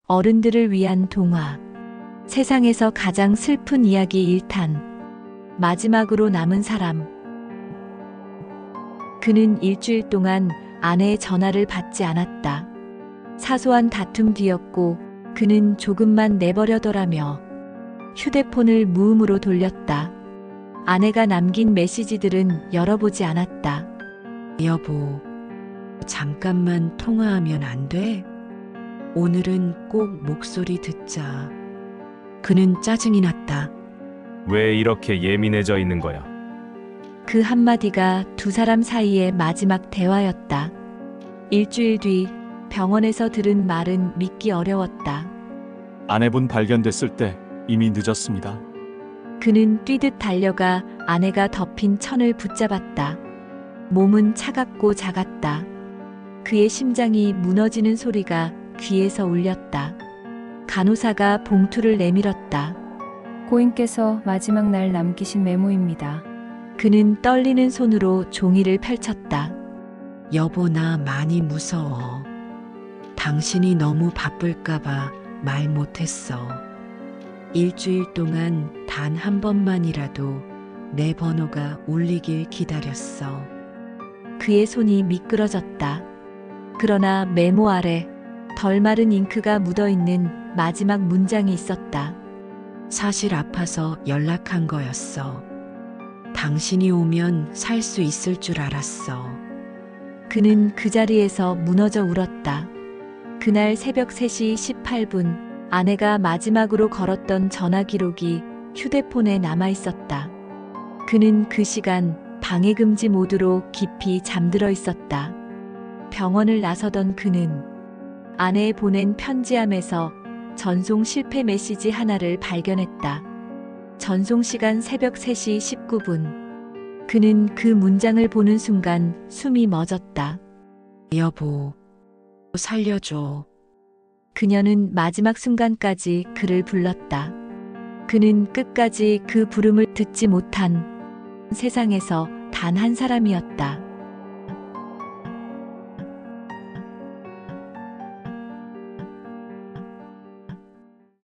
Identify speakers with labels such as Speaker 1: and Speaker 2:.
Speaker 1: 어른들을 위한 동화. 세상에서 가장 슬픈 이야기 1탄. 마지막으로 남은 사람. 그는 일주일 동안 아내의 전화를 받지 않았다. 사소한 다툼 뒤였고 그는 조금만 내버려둬라며 휴대폰을 무음으로 돌렸다. 아내가 남긴 메시지들은 열어보지 않았다.
Speaker 2: 여보, 잠깐만 통화하면 안 돼? 오늘은 꼭 목소리 듣자. 그는 짜증이 났다.
Speaker 3: 왜 이렇게 예민해져 있는 거야?
Speaker 1: 그 한마디가 두 사람 사이의 마지막 대화였다. 일주일 뒤 병원에서 들은 말은 믿기 어려웠다.
Speaker 4: 아내분 발견됐을 때 이미 늦었습니다.
Speaker 1: 그는 뛰듯 달려가 아내가 덮인 천을 붙잡았다. 몸은 차갑고 작았다. 그의 심장이 무너지는 소리가 귀에서 울렸다. 간호사가 봉투를 내밀었다.
Speaker 5: 고인께서 마지막 날 남기신 메모입니다.
Speaker 1: 그는 떨리는 손으로 종이를 펼쳤다.
Speaker 2: 여보, 나 많이 무서워. 당신이 너무 바쁠까봐 말 못했어. 일주일 동안 단 한 번만이라도 내 번호가 울리길 기다렸어.
Speaker 1: 그의 손이 미끄러졌다. 그러나 메모 아래 덜 마른 잉크가 묻어있는 마지막 문장이 있었다.
Speaker 2: 사실 아파서 연락한 거였어. 당신이 오면 살 수 있을 줄 알았어.
Speaker 1: 그는 그 자리에서 무너져 울었다. 그날 새벽 3시 18분 아내가 마지막으로 걸었던 전화 기록이 휴대폰에 남아 있었다. 그는 그 시간 방해금지 모드로 깊이 잠들어 있었다. 병원을 나서던 그는 아내에 보낸 편지함에서 전송 실패 메시지 하나를 발견했다. 전송 시간 새벽 3시 19분. 그는 그 문장을 보는 순간 숨이 멎었다.
Speaker 2: 여보, 살려줘.
Speaker 1: 그녀는 마지막 순간까지 그를 불렀다. 그는 끝까지 그 부름을 듣지 못한 세상에서 단 한 사람이었다.